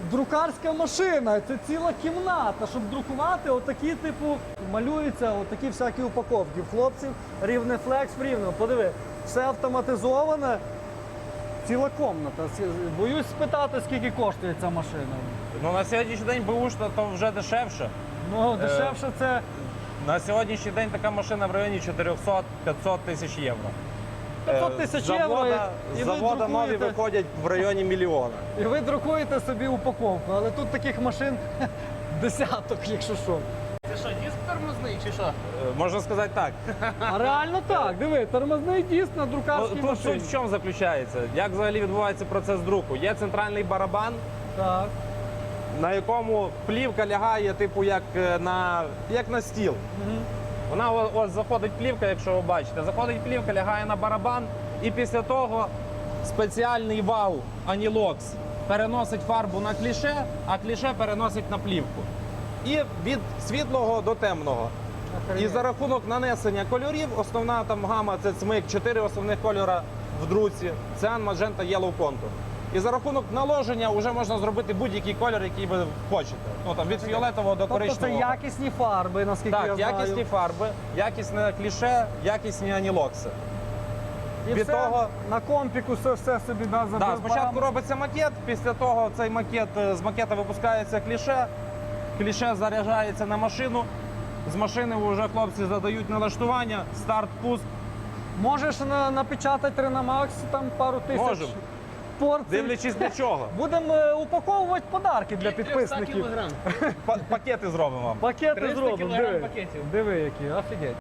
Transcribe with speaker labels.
Speaker 1: друкарська машина, це ціла кімната, щоб друкувати отакі, типу, малюються отакі всякі упаковки. В хлопців рівнефлекс в рівному. Подиви, все автоматизоване, ціла комната. Боюсь спитати, скільки коштує ця машина.
Speaker 2: Ну, на сьогоднішній день бушна то вже дешевше.
Speaker 1: Ну, дешевше це...
Speaker 2: На сьогоднішній день така машина в районі 400-500 тисяч євро.
Speaker 1: 500 тисяч євро, і
Speaker 2: з
Speaker 1: ви
Speaker 2: завода нові
Speaker 1: друкуєте.
Speaker 2: виходять в районі мільйона.
Speaker 1: І ви друкуєте собі упаковку, але тут таких машин десяток, якщо що.
Speaker 3: Це що, диск тормозний чи що?
Speaker 2: Можна сказати так.
Speaker 1: А реально так, диви, тормозний диск на друкарській
Speaker 2: Тут суть
Speaker 1: машині.
Speaker 2: в чому заключається? Як взагалі відбувається процес друку? Є центральний барабан,
Speaker 1: Так.
Speaker 2: на якому плівка лягає, типу, як на стіл. Вона ось заходить плівка, якщо ви бачите, заходить плівка, лягає на барабан, і після того спеціальний вал Anilox переносить фарбу на кліше, а кліше переносить на плівку. І від світлого до темного. І за рахунок нанесення кольорів, основна там гама це цмик, 4 основних кольора в друці, циан, маджента, yellow, контур. І за рахунок наложення вже можна зробити будь-який кольор, який ви хочете. Ну, там, від фіолетового до
Speaker 1: Тобто це
Speaker 2: коричневого.
Speaker 1: якісні фарби, наскільки я
Speaker 2: Так,
Speaker 1: знаю.
Speaker 2: якісні фарби, якісне кліше, якісні анілокси.
Speaker 1: І
Speaker 2: від
Speaker 1: все
Speaker 2: того-
Speaker 1: на компіку все собі забив.
Speaker 2: Да, спочатку робиться макет, після того цей макет, з макета випускається кліше заряджається на машину, з машини вже хлопці задають налаштування, старт, пуск.
Speaker 1: Можеш напечатати Renamax там пару тисяч
Speaker 2: Можемо.
Speaker 1: порцій.
Speaker 2: Дивлячись для чого.
Speaker 1: Будемо упаковувати подарки для підписників.
Speaker 3: кілограм.
Speaker 2: Пакети зробимо вам.
Speaker 1: Пакети
Speaker 3: 300
Speaker 1: зробимо.
Speaker 3: кілограм
Speaker 1: Диви.
Speaker 3: пакетів.
Speaker 1: Диви, які, офігеть.